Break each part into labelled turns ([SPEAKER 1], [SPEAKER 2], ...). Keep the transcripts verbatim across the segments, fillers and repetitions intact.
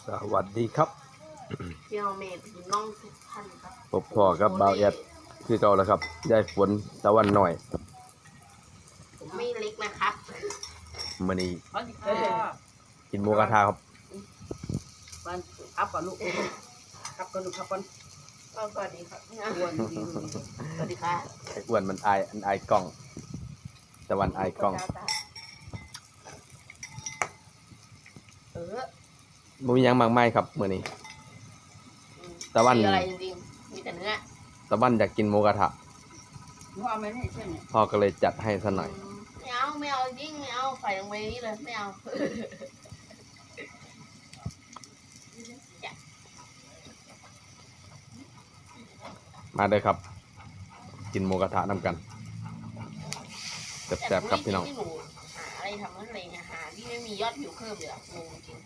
[SPEAKER 1] สวัสดีครับ
[SPEAKER 2] พี่น้องเมย์น้องทุกท่านครับ
[SPEAKER 1] พบพ่อกับบ่าวแอดคือเก่าแล้วครับยายฝนตะวันหน่อย
[SPEAKER 2] ผมไม่เล็กนะครับ
[SPEAKER 1] มื้อนี้กินหมูกระทะครับ
[SPEAKER 3] มันอัพก่อนลูกอัพก่อนลูกอัพก่อน
[SPEAKER 2] สวัสดีครับ
[SPEAKER 3] อ้วนดี
[SPEAKER 2] สวัสดีครับ
[SPEAKER 1] ไอ้อ้วนมันอายอันอายกล้องตะวันอายกล้อง
[SPEAKER 2] เออ
[SPEAKER 1] บ่มีหยังมากมายครับมื้อนี้ตะวัน
[SPEAKER 2] อะไรจริงๆมีแต่เนื้อ
[SPEAKER 1] ตะวันอยากกินหมูกระทะ
[SPEAKER 3] เอาไม่ได้ใช่ไหม
[SPEAKER 1] พ่อก็เลยจัดให้ซะหน่อย
[SPEAKER 2] ไม่เอาไม่เอาจริงไม่เอาใส่ลงไปนี่เลยไม่เอา
[SPEAKER 1] มาเด้อครับกินหมูกระทะนำกันแซ่บๆครับพี่น้อง
[SPEAKER 2] หนูหาอะไรทำอะไรเนี่ยหาที่ไม่มียอดวิวเพิ่มเลยอะงงจริง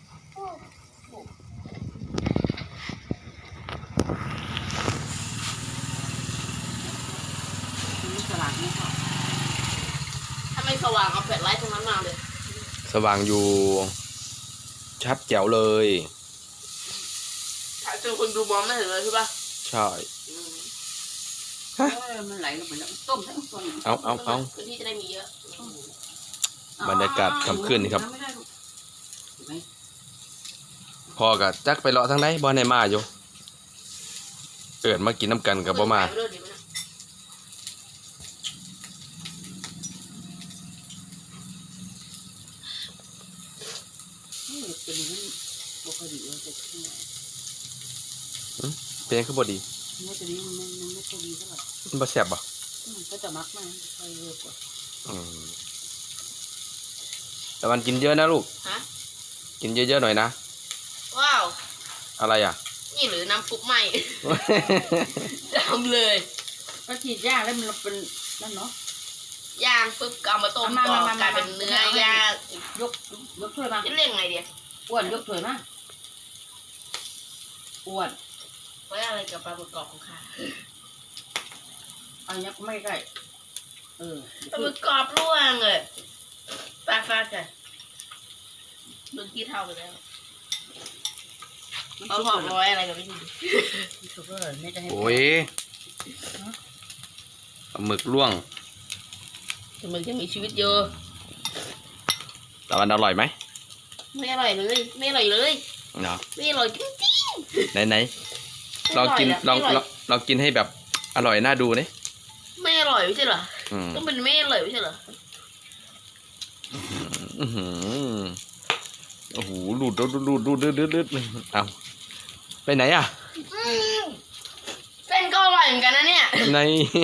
[SPEAKER 3] สลัดนี่ค่ะ
[SPEAKER 2] ถ้าไม่สว่างเอาแฟลชไลท์ตรงนั้นมาเลย
[SPEAKER 1] สว่างอยู่ชัดแจ๋วเลย
[SPEAKER 2] ถ้าเจอคนดูมองไม่เห็นเลยใช่ปะ
[SPEAKER 1] ใช่
[SPEAKER 3] มันไหลลงไปแล้วต้มทั้งตัว
[SPEAKER 1] เอาเอาเอา
[SPEAKER 2] พื้นที่จะได้มีเยอะ
[SPEAKER 1] บรรยากาศค่ำคืนนี่ครับพ่อกับจักไปเลาะทางไหนบ่ในมาอยู่เอิดมากินน้ำกันกับบ่มาเป็นคือบ่ดี
[SPEAKER 3] ไม่จะดีมันมันไม่จะดีเท่าไหร่
[SPEAKER 1] มันบ่แซ่บบ่
[SPEAKER 3] ก็จะมักมากไปเยอะกว่า
[SPEAKER 1] อืมแต่วันกินเยอะนะลูก
[SPEAKER 2] ฮะ
[SPEAKER 1] กินเยอะๆหน่อยนะ
[SPEAKER 2] ว้าว
[SPEAKER 1] อะไรอ่ะ
[SPEAKER 2] นี่หรือน้ำซุปใหม่จำเลย
[SPEAKER 3] ก็ฉีดย่างแล้วมันเป็นนั่นเนาะ
[SPEAKER 2] ย่างปุ๊บเอามาต้มต่อกลายเป็นเนื้อย่าง
[SPEAKER 3] ยกยกถ้วยมา
[SPEAKER 2] จะเรียกไงเดีย
[SPEAKER 3] อ้วนยกถ้วยมาอ้วน
[SPEAKER 2] ไว้อะไรกับปลาหมึกกรอบของข้า
[SPEAKER 3] อันนี้ไม่ได้เออ
[SPEAKER 2] ปลาหมึกกรอบร่วงเลยปลาฟ้าจ้ะมึงที่เท่าไปแล้วเอาหอมร้อยอะไรกับพี่ที
[SPEAKER 1] โอ้ยปลาหมึกร่วง
[SPEAKER 2] แต่มึงยังมีชีวิตเยอะ
[SPEAKER 1] แต่มันอร่อยไหม
[SPEAKER 2] ไม่อร่อยเลยไม่อร่อยเลย
[SPEAKER 1] เนาะ
[SPEAKER 2] ไม่อร่อยจริง
[SPEAKER 1] ๆไหนไหนลองกินลองลองกินให้แบบอร่อยน่าดูนี่
[SPEAKER 2] ไม่อร่อยไม่ใช่เหรอต้องเป็นไม่อร่อยไม่ใช่เหรอ
[SPEAKER 1] อือหือโอ้โหหลุดหลุดหลุดหลุดหลุดหลุดหลุดเอาไปไหนอ่ะ
[SPEAKER 2] เส้นก็อร่อยเหมือนกันนะเนี่ย
[SPEAKER 1] ใน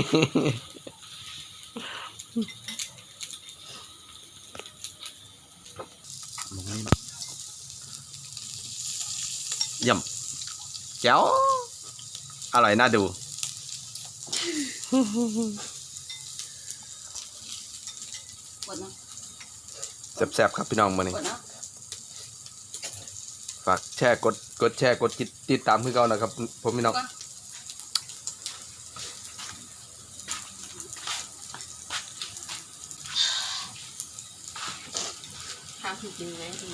[SPEAKER 1] ย่ำแจ๋วอร่อยน่าดูแซ่บๆครับพี่น้องมื้อนี้ฝากแชร์กดกดแชร์กดติดตามคือเก่านะครับผมพี่น้อง
[SPEAKER 2] ทำจริงไหมจริง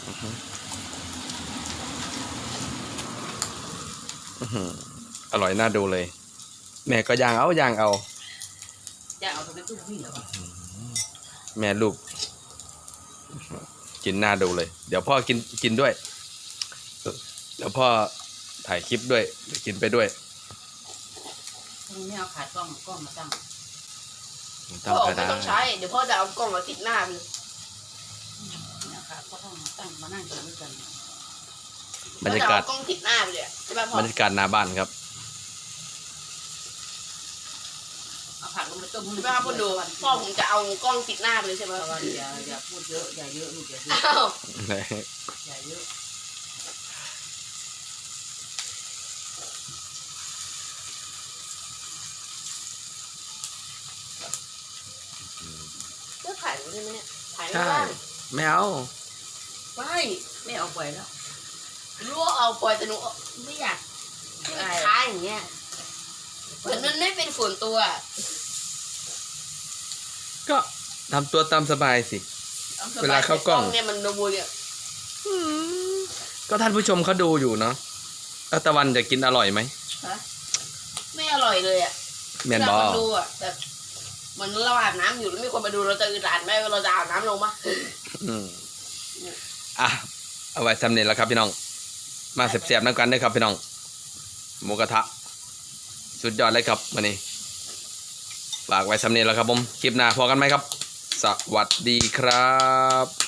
[SPEAKER 1] อร่อยน่าดูเลยแม่ก็ย่างเอาย่างเอา
[SPEAKER 3] ย่างเอาทำไมตุ้มพี่เหรอ
[SPEAKER 1] แม่ลูกกินน่าดูเลยเดี๋ยวพ่อกินกินด้วยเดี๋ยวพ่อถ่ายคลิปด้วยกินไปด้วย
[SPEAKER 3] ไม่เอาขากล้องกล้องมาตั้ง
[SPEAKER 2] พ่อไม่ต้องใช้เดี๋ยวพ่อจะเอากล้องมาติดหน้าพี่
[SPEAKER 3] เนี่ยค่ะก็ต้องตั้งมานั่งกินด้วยกัน
[SPEAKER 1] บรรยากาศ
[SPEAKER 2] กล้องติดหน้าไปเลยใช่ป่ะพ่อบ
[SPEAKER 1] รรยากาศหน้าบ้านครับ
[SPEAKER 3] เอาผักลงไปต้ม
[SPEAKER 2] ใช่ป่ะพ่อดูพ่อผมจะเอากล้องติดหน้าไปเลยใช่ไหม
[SPEAKER 3] อย่าอย่าพูดเยอะอย่าเยอะลูกอย่าเยอะอย่าเยอะ
[SPEAKER 2] ก็ถ่ายใช่ไหมเนี่ยถ่ายไม่
[SPEAKER 1] ได้
[SPEAKER 2] ได้
[SPEAKER 1] ไม่เอา
[SPEAKER 2] ไม่
[SPEAKER 3] ไม่เอาปล่อยแล้ว
[SPEAKER 2] รู้ว่าเอาปล่อยแต่หนูไม่อยากค้าอย่างเงี้ยเหมือนมันไม่เป็นส่วนตัว
[SPEAKER 1] ก็ทำตัวตามสบายสิเวลาเข้ากล้อง
[SPEAKER 2] เนี่ยมันโนบุเนี่ย
[SPEAKER 1] ก็ท่านผู้ชมเขาดูอยู่เนาะแล้วตะวันจะกินอร่อยไหม
[SPEAKER 2] ฮะไม่อร่อยเลยอ่ะ
[SPEAKER 1] แมนบอ
[SPEAKER 2] เราดูอ่ะแบบเหมือนเราอาบน้ำอยู่แล้วมีคนมาดูเราจะอึดอัดไหมเราจะอาบน้ำลงปะ
[SPEAKER 1] อืมอ่ะเอาไว้สำเร็จแล้วครับพี่น้อง มาเสียบๆน้ำกันด้วยครับพี่น้องหมูกระทะสุดยอดเลยครับวันนี้ฝากไว้สำเร็จแล้วครับผมคลิปหน้าพอกันไหมครับ สวัสดีครับ